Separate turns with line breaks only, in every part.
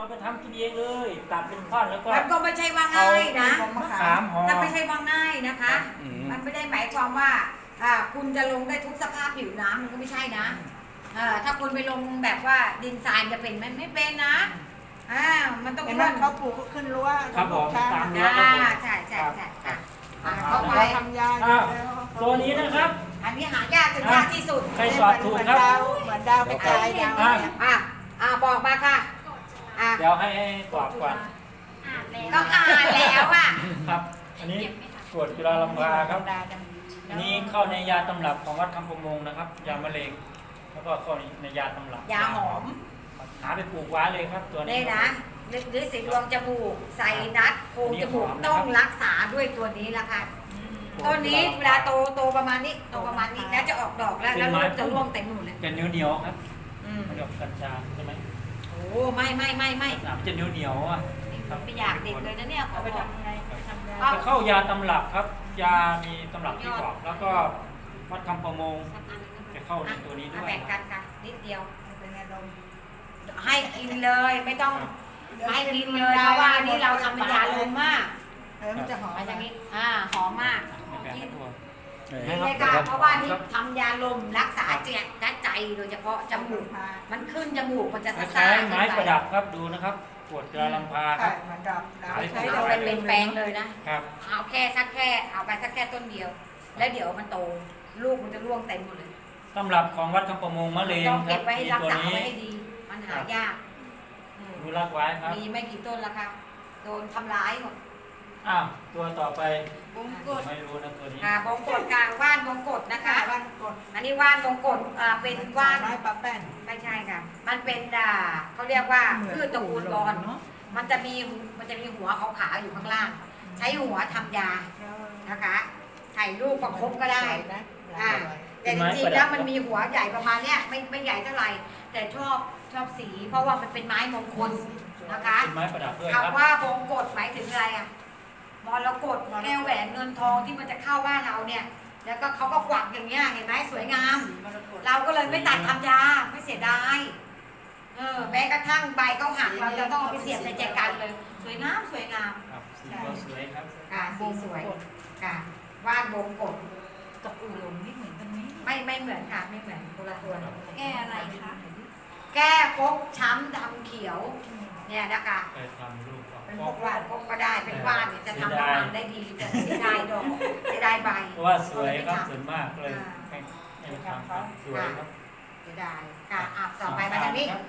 เราไปทำกินเองเลยตัดเป็นท่อนแล้วก็
มันก็ไม่ใช่ว่าง่ายนะ
มะขามห่อ
นั่นไม่ใช่ว่าง่ายนะคะ มันไม่ได้หมายความว่าคุณจะลงได้ทุกสภาพผิวน้ำมันก็ไม่ใช่นะถ้าคุณไปลงแบบว่าดินทรายจะเป็นมันไม่เป็นนะมันต้อง
เห็นไหมเขาปลูกขึ้นรั้ว
ครับผมตามรั้ว
ใช่ใช่ใช่
ครับ
เข้าไป
ทำยา
ตัวนี้นะครับ
อันนี้หายากถึงยากที่สุด
ใครตอบถูกครับ
เหมือนดาวกระจายดาวเนี่ย
บอกมาค่ะ
เดี๋ยวให้ตอบก่อน
ก็อ่านแล้วอ่ะ
ครับ อันนี้กรวดจุฬาลัมพาครับอันนี้เข้าในยาตำรับของวัดคำประมงนะครับ ยามะเร็งแล้วก็เข้าในยาตำรับ
ยาหอม
หาไปปลูกไว้เลยครับตัวนี้
นี่นะหรือสีดวงจมูกใส่นัดโพรงจมูกต้องรักษาด้วยตัวนี้ละค่ะต้นนี้เวลาโตประมาณนี้โตประมาณนี้แล้วจะออกดอกแล้วลูกจะร่วงเต็มหมดเลย
เป็นเหนียวๆครับมันกับกัญชาใช่ไหม
โอ้ไม่
สามจะเหนียวอ่ะ
ไม่อยากเด็ดเลยนะเนี่ยขอไปทำไงไปทำยา
จะเข้ายาตำรับครับ ยามีตำรับที่บอกแล้วก็วัดคำประมงจะเข้าในตัวนี้ด้วย
แบ่งกันค่ะนิดเดียวให้กินเลยไม่ต้องให้กินเลยเพราะว่านี่เราทำเป็นยาลมมาก
มันจะหอม
มาจากนี้หอมมาก
ในแบบตัว
นี่เลยค่ะเพราะว่านี่ทำยาลมรักษาใจโดยเฉพาะจมูกมันขึ้นจมูกมันจะ
ค
ซ่า
ล้ายๆไม้ประดับครับดูนะครับปวดจุฬาลัมพาครับ
เหมือนดอกดาว
เอาไปเป็นแปลงเลยนะครับ เอาไปสักแค่ต้นเดียว แล้วเดี๋ยวมันโตลูกมันจะร่วงเต็มหมดเลย
ตำรับของวัดคำประมงมะเร็ง
ต้อง
ค
เก็
รับบ
ไว้ให้
มี
รัก
ตัว
ษา
นี้
ไว้ให้ดีมันหายาก
ดูรักไว้ครับ
มีไม่กี่ต้นแล้วค่ะโดนทำร้ายหมด
อ้าวตัวต่อไป
บงกฎ
ไม่รู้นะตัวนี้
บงกฎกลางว่านบงกฎนะคะ
บ้านกด
อันนี้ว่านบงกฎเป็นว่าน
ไม้ปลาแป้น
ไม่ใช่ค่ะมันเป็นเขาเรียกว่าพืชตระกูลบอลมันจะมีหัวขาวๆอยู่ข้างล่าง ใช้หัวทำยานะคะใส่ลูกประคบก็ได้แต่จริงๆแล้วมันมีหัวใหญ่ประมาณเนี้ยไม่ใหญ่เท่าไหร่แต่ชอบสี เพราะว่ามันเป็นไม้มงคลนะคะ
เป็นไม้ประดับด้วยครับ
คำว่าบงกฎหมายถึงอะไรอ่ะมรกตแก้วแหวนเงินทองที่มันจะเข้าบ้านเราเนี่ย แล้วก็เขาก็กวักอย่างเงี้ยเห็นไหมสวยงาม เราก็เลยไม่ตัดทำยาไม่เสียดายแม้กระทั่งใบเขาหักเราจะต้องเอาไปเสียบในแจกันเลย สวยงาม
ครับสีก็สวยครับ
ค่ะสีสวยค่ะว่านบงกฎ
กับอู่หลงนี่เหมือนกันไหม
ไม่เหมือนค่ะไม่เหมือนคนละตัว
แก้อะไรคะ
แก้ฟกช้ำดำเขียวเนี่ยนะคะ
เคยทำรูปออก
เป็น
ฟ
พ
อ
ว
ก
กว่านพวกก็ได้เป็นว่านเนี่ยจะทำน้ำมันได้ดีแต่เสียดายดอกเสียดายใบ
เพราะว่าสวยครับสวยมากเลยให้ทำครับสวยครับ
เสียดายค่ะต่อไปมาทางนี้ค่ะ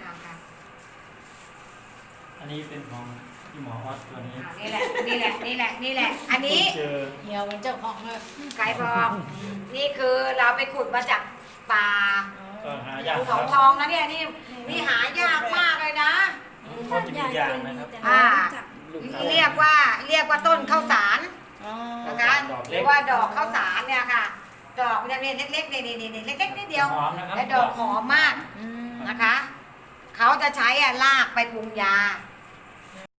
อันนี้เป็นของที่หมอออสตัวนี้
นี่แหละอันนี้
เจอ
เหี่ยวมันเจ้าของเลย
ไก่บอกนี่คือเราไปขุดมาจากป่า
ก็หายาก
ภู
ครั
เขา
บ
ทองนะเนี่ยนี่หายากมากเลยนะ
เขาจะมีอย่างนะครับ
เรียกว่าต้นข้าวสารนะคะหรือว่าดอกข้าวสารเนี่ยค่ะ ดอกเนี่ยเล็กๆเนี่ยเล็กๆนิดเดียว
หอมนะครับ
และดอกหอมมากนะคะเขาจะใช้ลากไปปรุงยา